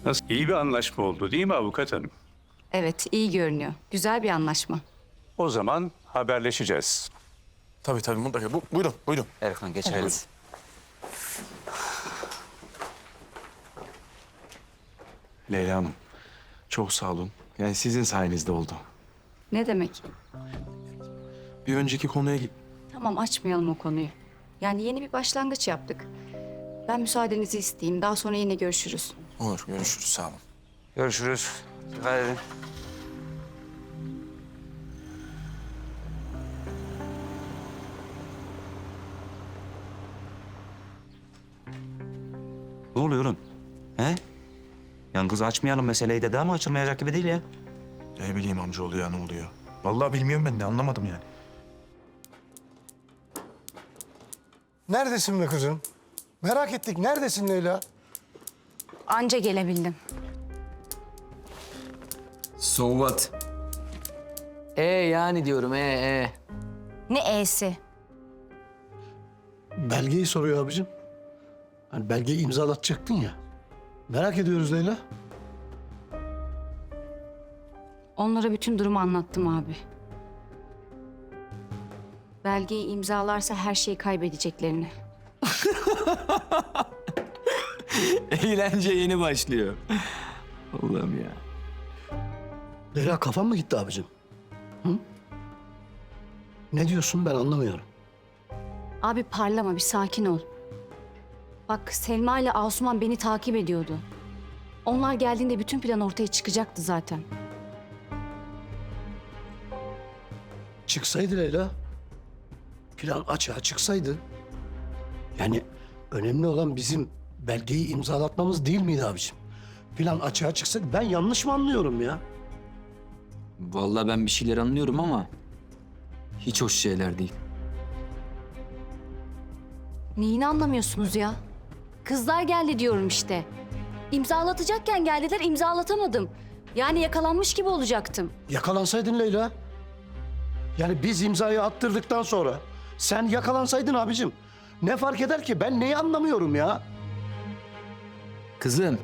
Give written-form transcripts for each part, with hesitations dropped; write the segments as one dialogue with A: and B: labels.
A: Nasıl? İyi bir anlaşma oldu değil mi avukat hanım?
B: Evet, iyi görünüyor. Güzel bir anlaşma.
A: O zaman haberleşeceğiz.
C: Tabii mutlaka. Buyurun.
D: Erkan geçelim.
C: Leyla Hanım, çok sağ olun. Yani sizin sayenizde oldu.
B: Ne demek?
C: Bir önceki konuya
B: Tamam, açmayalım o konuyu. Yani yeni bir başlangıç yaptık. Ben müsaadenizi isteyeyim. Daha sonra yine görüşürüz.
C: Olur, görüşürüz. Sağ olun.
D: Görüşürüz. Dikkat edin. Ne oluyor oğlum? He? Yani kız açmayalım meseleyi dedi ama açılmayacak gibi değil ya.
C: Ne bileyim amcaoğlu ya, ne oluyor? Vallahi bilmiyorum ben de, anlamadım yani.
E: Neredesin be kızım? Merak ettik. Neredesin Leyla?
B: Anca gelebildim.
F: So what? Yani diyorum
B: Ne e'si?
E: Belgeyi soruyor abicim. Hani belgeyi imzalatacaktın ya. Merak ediyoruz Leyla.
B: Onlara bütün durumu anlattım abi. Belgeyi imzalarsa her şeyi kaybedeceklerini.
F: Eğlence yeni başlıyor. Allah'ım ya.
E: Leyla kafan mı gitti abicim? Hı? Ne diyorsun ben anlamıyorum.
B: Abi parlama, bir sakin ol. Bak, Selma ile Asuman beni takip ediyordu. Onlar geldiğinde bütün plan ortaya çıkacaktı zaten.
E: Çıksaydı Leyla. Plan açığa çıksaydı. Yani önemli olan bizim belgeyi imzalatmamız değil miydi abicim? Plan açığa çıksaydı. Ben yanlış mı anlıyorum ya?
F: Vallahi ben bir şeyler anlıyorum ama hiç hoş şeyler değil.
B: Neyini anlamıyorsunuz ya? Kızlar geldi diyorum işte. İmzalatacakken geldiler, imzalatamadım. Yani yakalanmış gibi olacaktım.
E: Yakalansaydın Leyla. Yani biz imzayı attırdıktan sonra sen yakalansaydın abicim. Ne fark eder ki? Ben neyi anlamıyorum ya?
F: Kızım,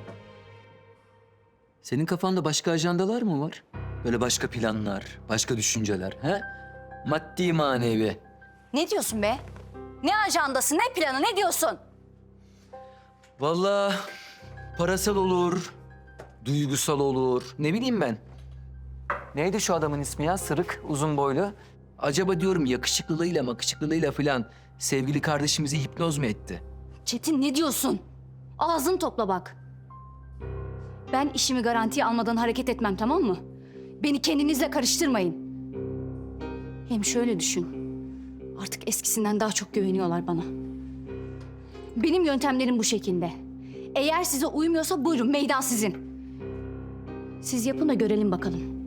F: senin kafanda başka ajandalar mı var? Böyle başka planlar, başka düşünceler, he? Maddi manevi.
B: Ne diyorsun be? Ne ajandası, ne planı, ne diyorsun?
F: Vallahi parasal olur, duygusal olur, ne bileyim ben. Neydi şu adamın ismi ya? Sırık, uzun boylu. Acaba diyorum yakışıklılığıyla makışıklılığıyla falan sevgili kardeşimizi hipnoz mu etti?
B: Çetin, ne diyorsun? Ağzını topla bak. Ben işimi garantiye almadan hareket etmem, tamam mı? Beni kendinizle karıştırmayın. Hem şöyle düşün. Artık eskisinden daha çok güveniyorlar bana. Benim yöntemlerim bu şekilde. Eğer size uymuyorsa buyurun, meydan sizin. Siz yapın da görelim bakalım.